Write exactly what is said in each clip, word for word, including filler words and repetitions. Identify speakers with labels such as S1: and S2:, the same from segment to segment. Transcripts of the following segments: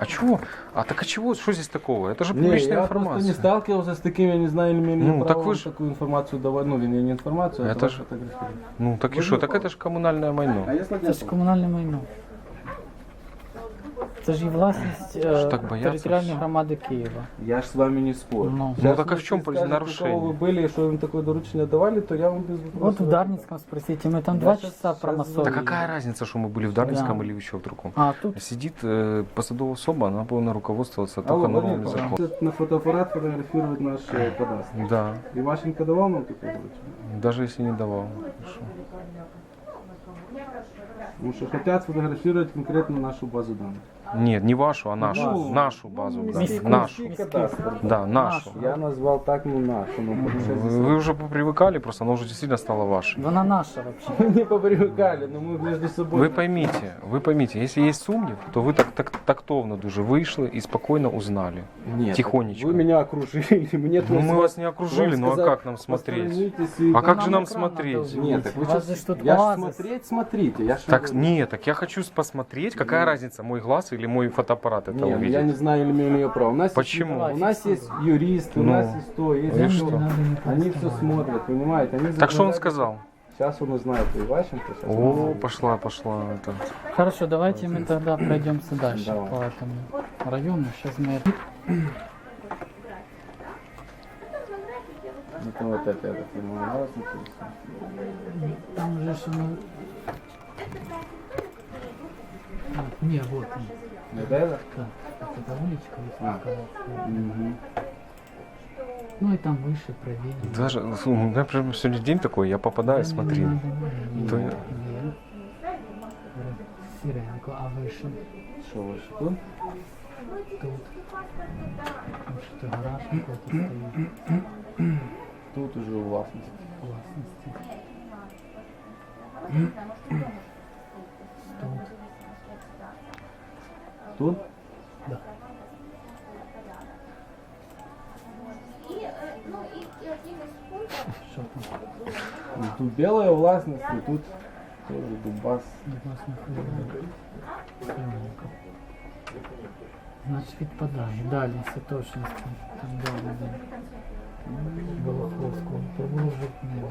S1: А чего? А так а чего? Что здесь такого? Это же
S2: Не,
S1: публичная
S2: я
S1: информация.
S2: просто не сталкивался с таким, я не знаю, или имею
S1: Ну, так
S2: право
S1: вы ж-
S2: такую информацию давать, ну, не, не информацию, а
S1: Это
S2: это
S1: ж-
S2: фотографировать.
S1: Ну так и что? Так это же коммунальное майно.
S2: если
S3: Це ж комунальне майно. Це ж і власність е,
S1: Що так бояться?
S3: територіальної громади Києва.
S2: Я ж с вами не спорю.
S3: Ну.
S2: Сейчас,
S1: Ну, так а в
S2: если
S1: чем
S2: скажете,
S1: нарушение?
S2: кого вы были, что им такое доручение давали, то я вам без вопросов.
S3: Вот в Дарницком спросите, мы там
S2: Я
S3: два
S2: щас-
S3: часа
S2: щас
S3: промассовывали.
S1: Да какая разница, что мы были в Дарницком
S3: Да.
S1: или еще в другом?
S3: А тут
S1: Сидит э, посадовая особа, она повинна руководствоваться
S2: Алло,
S1: только
S2: Владимир
S1: нормами
S2: Павлович,
S1: закона.
S2: на фотоаппарат фотографировать наш э, кадастр.
S1: Да,
S2: Иващенко давал нам такое доручение?
S1: даже если не давал. Хорошо.
S2: Потому что хотят сфотографировать конкретно нашу базу данных.
S1: Нет, не вашу, а нашу.
S2: Ну,
S1: нашу базу.
S2: ну,
S1: Да.
S3: миску.
S1: Нашу.
S2: Кадастр.
S1: Да, нашу.
S2: Я назвал так, ну нашу. Ну,
S1: Вы, вы уже попривыкали, просто она уже действительно стала вашей.
S3: вона наша вообще.
S2: мы не попривыкали, но мы между собой.
S1: Ви поймите, ви поймите, если есть сумнів, то ви так, так тактовно дуже вийшли і спокійно узнали.
S2: Нет,
S1: Тихонечко.
S2: Вы меня окружили, мне
S1: Ну,
S2: тут
S1: мы вас не окружили,
S2: вам
S1: ну а
S2: сказать,
S1: как нам смотреть?
S2: посторонитесь и-
S1: А как же
S3: нам
S1: нам
S3: экран
S1: смотреть?
S3: надо
S2: Нет, так вы
S3: У вас
S2: щас-
S3: же тут
S2: я ж
S3: оазис.
S2: смотреть, смотрите. Я ж
S1: Так,
S2: говорю.
S1: нет, так я хочу посмотреть, какая разница, мой глаз или мой фотоаппарат это
S2: Не, ну
S1: увидит.
S2: я не знаю, или имею ли я право. У нас
S1: Почему?
S2: Есть, у нас есть юристы, у
S1: Ну,
S2: нас есть то, есть
S1: и
S2: то.
S1: что?
S2: Они все смотрят, понимаете? Они
S1: Так что он
S2: законодательство-
S1: сказал?
S2: Сейчас он узнает и Иващенко. Сейчас он
S1: О,
S2: узнает.
S1: пошла, пошла. Это.
S3: Хорошо, давайте мы тогда пройдемся дальше
S2: Давай.
S3: по этому району. Сейчас мы...
S2: Это вот это, я так понимаю, вас интересует.
S3: Там уже что мы... А, не, вот он.
S2: Вот это?
S3: Да, это уличка, если
S2: А.
S3: сказать.
S2: Мгм.
S3: Ну и там выше, правее.
S1: Даже, ну, у меня прям сегодня день такой, я попадаю, смотри. То я-
S3: Сиренко, а выше?
S2: Что выше тут?
S3: Тут. Там что-то гараж какой-то стоит.
S2: Тут уже у вас.
S3: Власности. Тут.
S2: Тут?
S3: Да. Что там?
S2: Ну, тут белая властность, и тут тоже дубас.
S3: Власне, Сиренко. Значит, відпадає. Далі, Святошинський. Там далі, де. Волоховського. Провулок Жовтневий.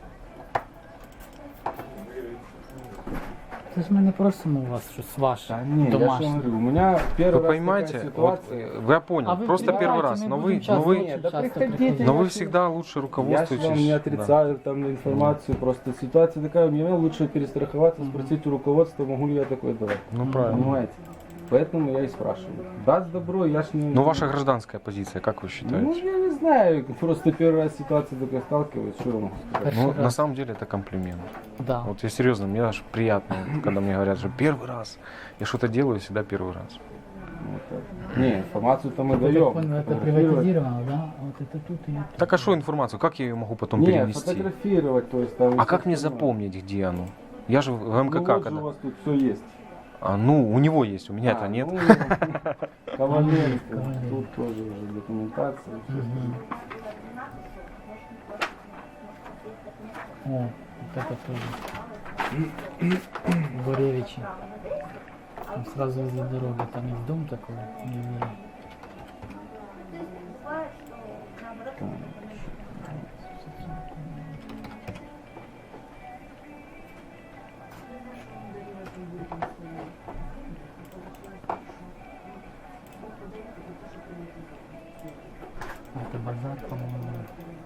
S3: Це ж ми не просимо у вас щось ваше,
S2: Да не, я же
S3: домашнє.
S2: говорю, у меня первый
S1: Вы
S2: раз
S1: понимаете,
S2: такая
S1: вот,
S2: ситуация.
S1: э, я понял,
S3: А вы
S1: просто
S3: приезжайте,
S1: первый раз,
S3: мы
S1: но
S3: будем
S1: вы, но
S3: часто
S1: вы,
S3: очень
S2: да
S3: часто
S2: приходите.
S3: приходить.
S1: но
S2: я
S1: вы
S2: ж-
S1: всегда лучше
S2: Я же
S1: руководствуетесь.
S2: вам не
S1: да.
S2: отрицаю там информацию, просто ситуация такая, мне лучше перестраховаться, спросить у руководства, могу ли я такое давать.
S1: Ну правильно.
S2: Понимаете? Поэтому я и спрашиваю. Даст добро, я ж не...
S1: Но ваша гражданская позиция, как вы
S2: Ну,
S1: считаете?
S2: я не знаю, просто первый раз ситуация такая сталкиваюсь, что я могу сказать?
S1: Ну,
S3: Первый
S1: на
S3: раз.
S1: самом деле это комплимент.
S3: Да.
S1: Вот я серьезно, мне аж приятно, вот, когда мне говорят, что первый раз я что-то делаю, всегда первый раз.
S2: Вот так. Не, информацию-то мы
S3: Я так
S2: даем.
S3: понял, это
S2: Фотографировать-
S3: приватизировано, да? А вот это тут и это.
S1: Так а что информацию, как я ее могу потом
S2: Не,
S1: перенести?
S2: фотографировать, то есть там...
S1: А как мне запомнить, где оно? Я же в
S2: Ну,
S1: МКК
S2: вот же
S1: когда.
S2: у вас тут все есть.
S1: А, ну, у него есть, у меня это
S2: А,
S1: нет.
S2: ну, Коваленко,
S3: Коваленко.
S2: тут тоже уже документация. всё.
S3: Мгм. О, вот это тоже. Боревичи. Там сразу возле дороги, там есть дом такой. не видно. А это базар, по-моему.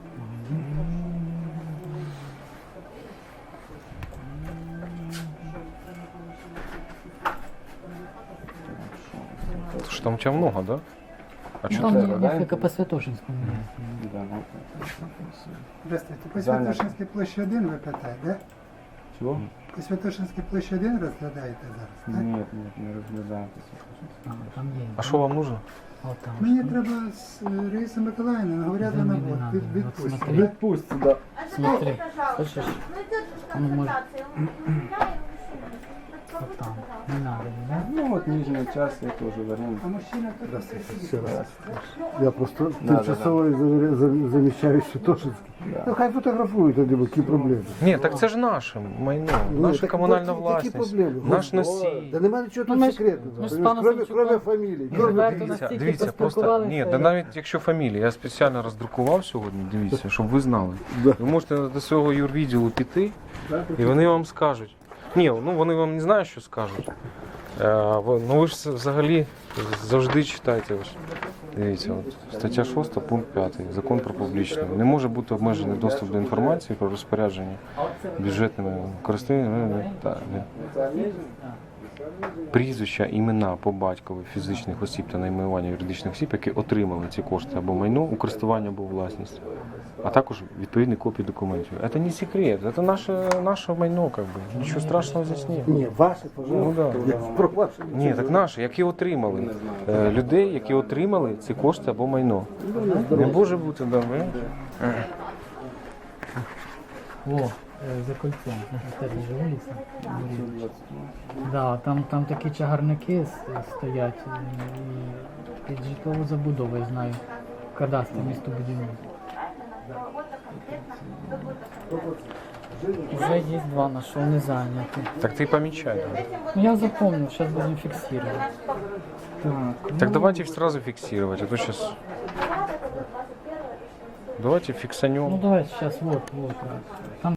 S1: Слушай, там у тебя много, да? А
S3: Ну,
S1: что
S3: там
S2: это,
S3: не-
S2: да,
S3: несколько
S2: это?
S3: по Святошинскому.
S2: Да, ну,
S4: Здравствуйте. По
S2: Занято.
S4: Святошинській площі один ви питаєте, да?
S2: чего?
S4: По Святошинській площі один розглядаєте зараз, так?
S2: Нет, нет, не разглядаем.
S3: А, там есть.
S1: А что вам нужно?
S3: Вот там.
S4: Мені треба з е, Раїсою Миколаївною, говорять на
S3: Заміни
S4: набор,
S3: надо,
S4: від,
S3: от
S4: відпустять.
S3: смотри.
S2: Відпусть сюда.
S3: Смотри, слышишь?
S5: Ну, идет
S3: Ну, может.
S5: документация. Я его
S3: Вот там. Не надо, да?
S2: Ну вот нижняя часть, это уже вариант.
S4: А мужчина теж
S5: Ще раз. Я просто
S2: Да,
S5: тимчасовий завіря- зам- заміщаючий Тошинський. Ну хай фотографують тоді, бо які проблеми.
S1: Ні, так це ж наше майно,
S5: Ні,
S1: наша
S5: так
S1: комунальна
S5: які-
S1: власність,
S5: які проблеми?
S1: наш
S5: Ой,
S1: носій.
S5: Да немає нічого
S3: Ну,
S5: тут
S3: ми ж-
S5: секретного.
S3: ми ж з
S5: Кроме,
S3: паном
S5: кроме,
S3: Савчуком
S5: кроме фамілії.
S3: відверто
S5: Кроме
S3: нас-
S1: Дивіться,
S3: настільки
S1: дивіться, просто
S3: поспілкувалися.
S1: ні, да навіть якщо фамілія, я спеціально роздрукував сьогодні, дивіться, щоб ви знали.
S5: Да.
S1: Ви можете до свого юрвідділу піти, і вони вам скажуть. Ні, ну вони вам не знають, що скажуть. Е, ви- ну ви ж взагалі завжди читайте. Ось. Дивіться, от, стаття шоста, пункт п'ятий. Закон про публічне. Не може бути обмежений доступ до інформації про розпорядження бюджетними користуваннями та не- прізвища, імена по батькові фізичних осіб та найменування юридичних осіб, які отримали ці кошти або майно у користування або власність, а також відповідні копії документів. Це не секрет, це наше, наше майно, как би. Нічого страшного здесь нет.
S5: Ні, ваше,
S1: Ну,
S5: пожалуйста.
S1: да.
S5: Я про ваше
S1: Ні, так наші, які отримали. Е, людей, які отримали ці кошти або майно. Не може бути, да, ви?
S3: О, е, за кольцом. Теж же вулиця. Да, там, там такі чагарники с- стоять і під житлову забудову, я знаю. В кадастрі містобудівництва. Уже є два, на що не зайняті.
S1: Так ти помічай.
S3: Ну я запомнил, сейчас будем фиксировать. Так,
S1: Так давайте сразу фиксировать, а то сейчас... Давайте
S3: ну
S1: фиксанем.
S3: давайте сейчас, вот, вот. Там